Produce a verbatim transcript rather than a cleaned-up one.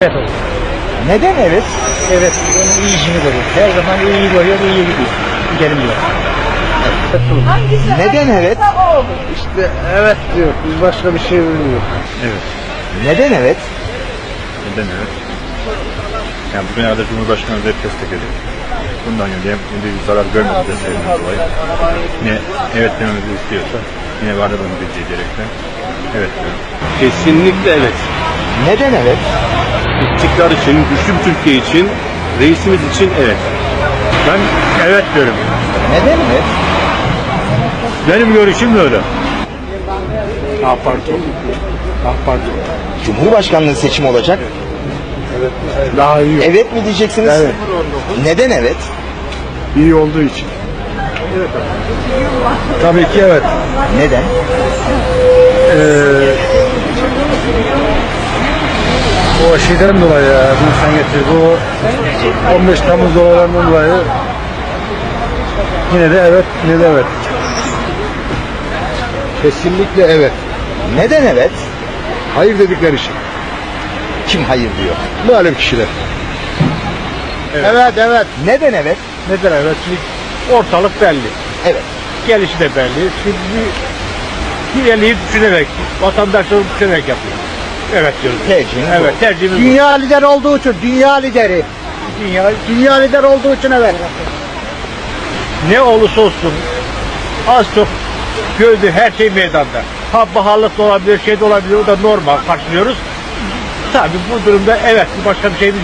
Evet olur. Neden evet? Evet, onun iyisini görüyor. Her zaman iyi görüyor, iyi gidiyor. Gidelim diyor. Evet olur. Neden evet? İşte evet diyor. Biz başka bir şey bilmiyoruz. Evet. Neden evet? Neden evet? Yani bugüne kadar Cumhurbaşkanı hep destekledi. Bundan yönde hem bir zarar görmedi desteklediğimiz dolayı. Yine evet dememizi istiyorsa yine var bunu bileceği gerekli. Evet diyorum. Kesinlikle evet. Neden evet? İstikrar için, güçlü bir Türkiye için, reisimiz için evet. Ben evet diyorum. Neden evet? Benim görüşüm böyle. AK Parti. AK Parti. Cumhurbaşkanlığı seçimi olacak. Daha iyi. Evet mi diyeceksiniz? Evet. Neden evet? İyi olduğu için. Tabii ki evet. Neden? Ee, o şeyden dolayı ya, bunu sen getir. Bu on beş Temmuz olaylarından dolayı yine de evet, yine de evet. Kesinlikle evet. Neden evet? Hayır dedikleri için. Kim hayır diyor? Malum kişiler. Evet, evet. Neden evet? Neden evet? Şimdi ortalık belli. Evet. Gelişi de belli. Şimdi bir eliyi düşünerek, vatandaşları düşünerek yapıyor. Evet diyoruz. Tercihiniz Evet, o. tercihimiz bu. Dünya lider olduğu için, dünya lideri. Dünya Dünya lider olduğu için evet. ne olursa olsun az çok gördüğü her şey meydanda. Ha baharlık da olabilir, şey de olabilir, o da normal karşılıyoruz. Tabii bu durumda evet, başka bir şey